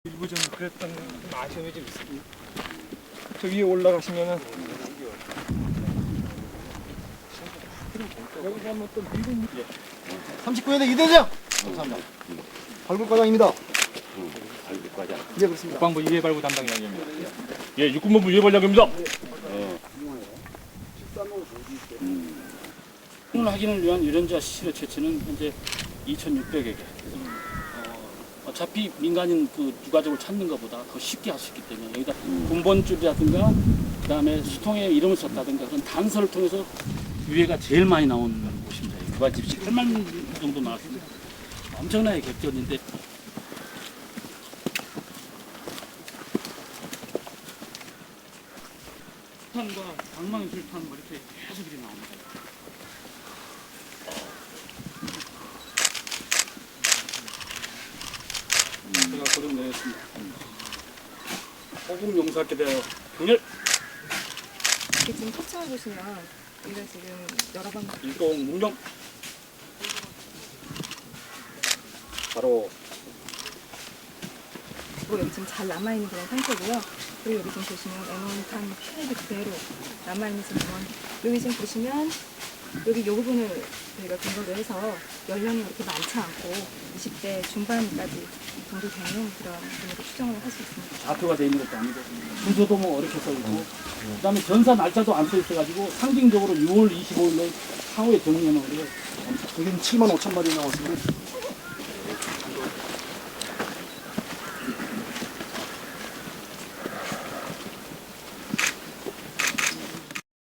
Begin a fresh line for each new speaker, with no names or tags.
일부 좀 그랬던 아쉬움이 좀 있습니다. 저 위에 올라가시면은 여기서 한번 또 미군
39년대 이대장! 감사합니다. 발굴과장입니다.
발굴과장.
예, 그렇습니다.
국방부 유해발굴 담당장입니다. 예, 육군본부 유해발장입니다.
오늘 확인을 위한 유전자 시료 채취는 현재 2,600여 개. 어차피 민간인 그 유가족을 찾는 것보다 더 쉽게 할 수 있기 때문에 여기다 군번줄이라든가 그다음에 수통에 이름을 썼다든가 그런 단서를 통해서 유해가 제일 많이 나온 곳입니다. 유가집 8만 정도 나왔습니다. 엄청나게 객전인데 술탄과 방망이 술탄 뭐 이렇게 계속 이렇게 나옵니다. 제가 고정 내렸습니다. 호국 용사께 대하여 경렬
이렇게 지금 터치해 보시면 우리가 지금 여러 번
일동 문명 바로
여기 지금 잘 남아 있는 그런 상태고요. 그리고 여기 지금 보시면 에논탄 피해도 그대로 남아 있는 지금 그런 여기 지금 보시면 여기 이 부분을 저희가 근거로 해서 연령이 그렇게 많지 않고 20대 중반까지 정도 되는 그런 분으로 추정을 할 수 있습니다.
좌표가 되어 있는 것도 아니고 순서도 뭐 어렵게 써 있고 그다음에 전사 날짜도 안 써 있어가지고 상징적으로 6월 25일로 사후에 정리해 놓은 게
여기는 7만 5천 마리 나왔습니다.